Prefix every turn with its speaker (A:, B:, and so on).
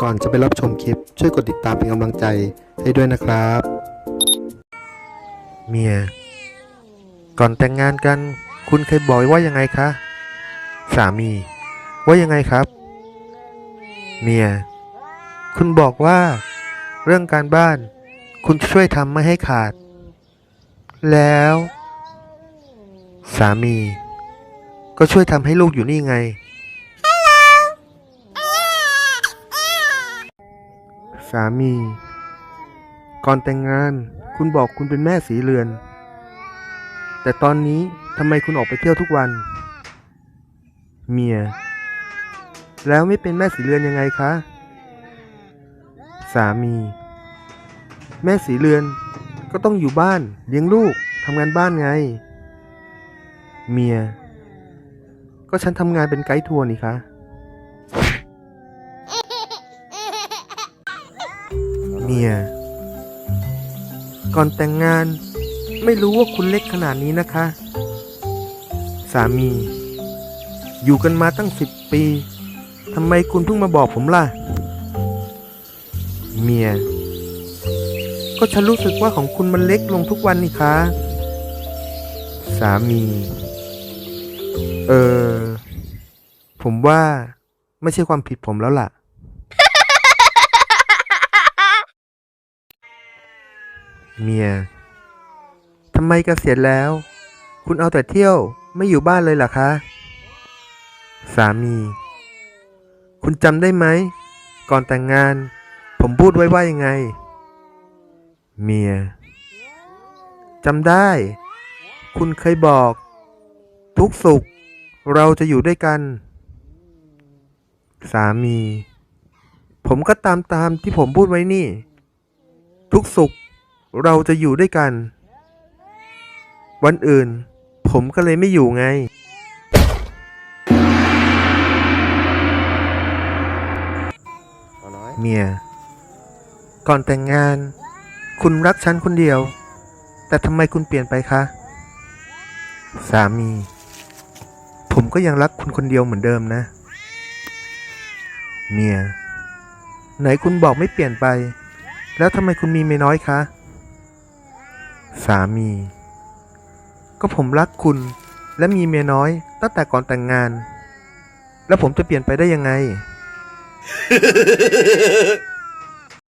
A: ก่อนจะไปรับชมคลิปช่วยกดติดตามเป็นกำลังใจให้ด้วยนะครับเมียก่อนแต่งงานกันคุณเคยบอกว่ายังไงคะสามีว่ายังไงครับเมียคุณบอกว่าเรื่องการบ้านคุณช่วยทำไม่ให้ขาดแล้วสามีก็ช่วยทำให้ลูกอยู่นี่ไงสามีก่อนแต่งงานคุณบอกคุณเป็นแม่สีเรือนแต่ตอนนี้ทำไมคุณออกไปเที่ยวทุกวันเมียแล้วไม่เป็นแม่สีเรือนยังไงคะสามีแม่สีเรือนก็ต้องอยู่บ้านเลี้ยงลูกทำงานบ้านไงเมียก็ฉันทำงานเป็นไกด์ทัวร์นี่คะเมียก่อนแต่งงานไม่รู้ว่าคุณเล็กขนาดนี้นะคะสามีอยู่กันมาตั้ง10 ปีทำไมคุณเพิ่งมาบอกผมล่ะเมียก็ฉันรู้สึกว่าของคุณมันเล็กลงทุกวันนี่คะสามีผมว่าไม่ใช่ความผิดผมแล้วล่ะเมียทำไมเกษียณแล้วคุณเอาแต่เที่ยวไม่อยู่บ้านเลยล่ะคะสามีคุณจำได้ไหมก่อนแต่งงานผมพูดไว้ว่ายังไงเมียจำได้คุณเคยบอกทุกสุขเราจะอยู่ด้วยกันสามีผมก็ตามที่ผมพูดไว้นี่ทุกสุขเราจะอยู่ด้วยกันวันอื่นผมก็เลยไม่อยู่ไงเมียก่อนแต่งงานคุณรักฉันคนเดียวแต่ทำไมคุณเปลี่ยนไปคะสามีผมก็ยังรักคุณคนเดียวเหมือนเดิมนะเมียไหนคุณบอกไม่เปลี่ยนไปแล้วทำไมคุณมีเมียน้อยคะสามีก็ผมรักคุณและมีเมียน้อยตั้งแต่ก่อนแต่งงานแล้วผมจะเปลี่ยนไปได้ยังไง